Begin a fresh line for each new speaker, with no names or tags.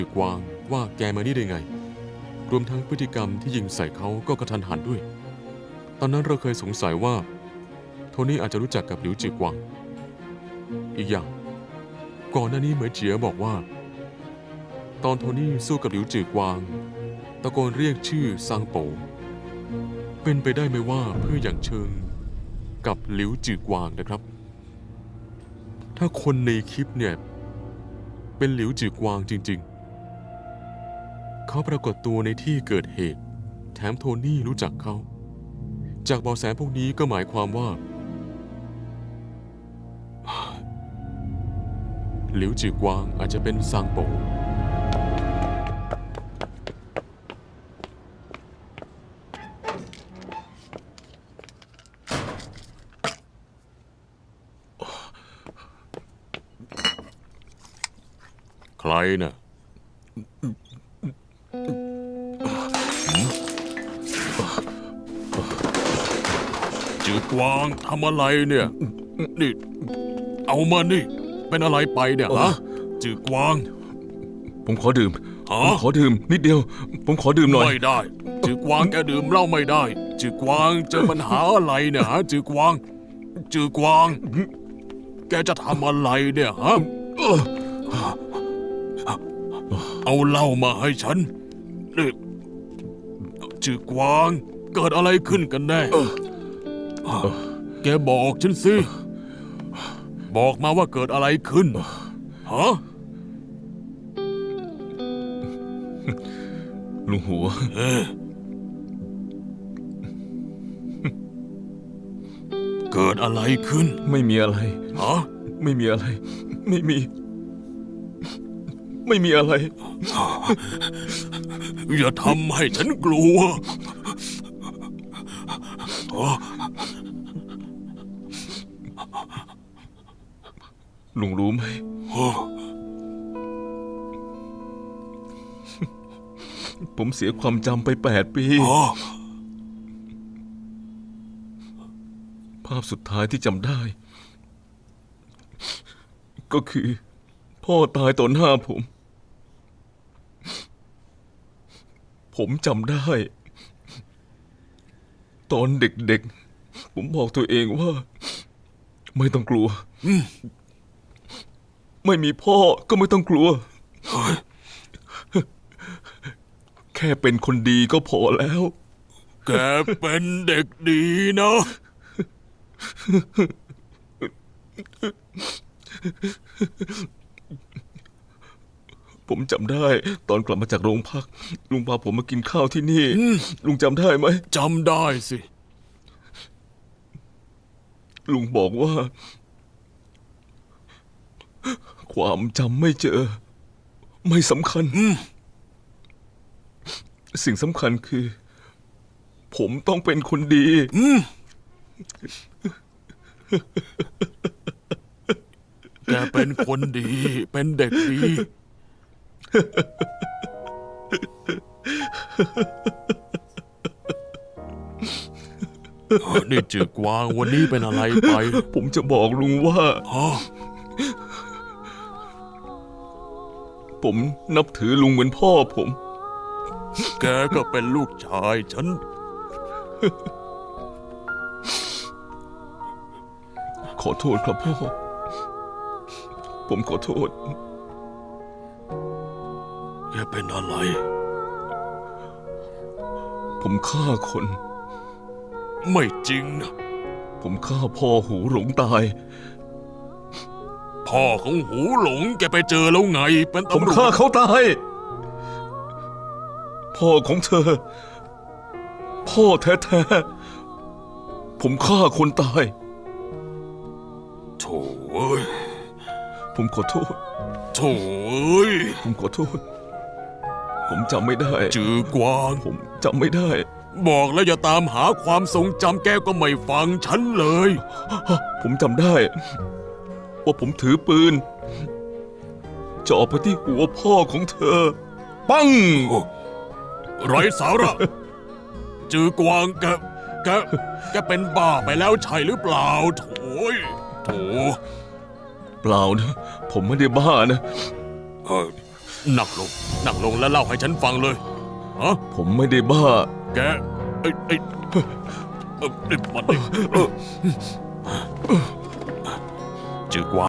กวางว่าแกมานี่ได้ไงรวมทั้งพฤติกรรมที่ยิงใส่เขาก็กระทันหันด้วยตอนนั้นเราเคยสงสัยว่าโทนี่อาจจะรู้จักกับหลิวจือกวางอีกอย่างก่อนหน้านี้เหมยเจียบอกว่าตอนโทนี่สู้กับหลิวจือกวางตะโกนเรียกชื่อซางโปเป็นไปได้ไหมว่าเพื่ออย่างเชิงกับหลิวจือกวางนะครับถ้าคนในคลิปเนี่ยเป็นหลิวจือกวางจริงๆเขาปรากฏตัวในที่เกิดเหตุแถมโทนี่รู้จักเขาจากเบาะแสพวกนี้ก็หมายความว่าหลิวจือกวางอาจจะเป็นซางโปใครน่ะจือกวางทำอะไรเนี่ยนี่เอามานี่เป็นอะไรไปเนี่ยฮะจือกวาง
ผมขอดื่มผมขอดื่มนิดเดียวผมขอดื่มหน่อย
ไม่ได้จือกวางแกดื่มเหล้าไม่ได้จือกวางเจอปัญหาอะไรเนี่ยฮะจือกวางจือกวางแกจะทำอะไรเนี่ยฮะเอาเหล้ามาให้ฉันนี่จือกวางเกิดอะไรขึ้นกันแน่แกบอกฉันสิบอกมาว่าเกิดอะไรขึ้นฮะ
ลุงหัว
เกิดอะไรขึ้น
ไม่มีอะไร
ฮะ
ไม่มีอะไรไม่มีอะไร
อย่าทำให้ฉันกลัว
ลุงรู้ไหมผมเสียความจำไป8 ปีภาพสุดท้ายที่จำได้ก็คือพ่อตายต่อหน้าผมจำได้ตอนเด็กๆผมบอกตัวเองว่าไม่ต้องกลัวไม่มีพ่อก็ไม่ต้องกลัวแค่เป็นคนดีก็พอแล้ว
แกเป็นเด็กดีนะ
ผมจำได้ตอนกลับมาจากโรงพักลุงพาผมมากินข้าวที่นี่ลุงจำได้ไหม
จำได้สิ
ลุงบอกว่าความจำไม่เจอไม่สำคัญสิ่งสำคัญคือผมต้องเป็นคนดี
แกเป็นคนดีเป็นเด็กดีนี่จือกวางวันนี้เป็นอะไรไป
ผมจะบอกลุงว่าผมนับถือลุงเหมือนพ่อผม
แกก็เป็นลูกชายฉัน
ขอโทษครับพ่อผมขอโทษ
แกเป็นอะไร
ผมฆ่าคน
ไม่จริงนะ
ผมฆ่าพ่อหูหลงตาย
พ่อของหูหลงแกไปเจอแล้วไงเป็นตำรวจ
ผมฆ่าเขาตายพ่อของเธอพ่อแท้ๆผมฆ่าคนตาย
โถ่เอ้ย
ผมขอโทษ
โถ่เอ้ย
ผมขอโทษผมจำไม่ได้
จือกวาง
ผมจำไม่ได้
บอกแล้วอย่าตามหาความทรงจำแกก็ไม่ฟังฉันเลย
ผมจำได้ว่าผมถือปืนจ่อไปที่หัวพ่อของเธอปัง
ไร้สาระจือกวางแกเป็นบ้าไปแล้วใช่หรือเปล่าโถ่
เปล่านะผมไม่ได้บ้านะ
นั่งลงแล้วเล่าให้ฉันฟังเลยฮะ
ผมไม่ได้บ้า
แกไอ้มันจือกว่า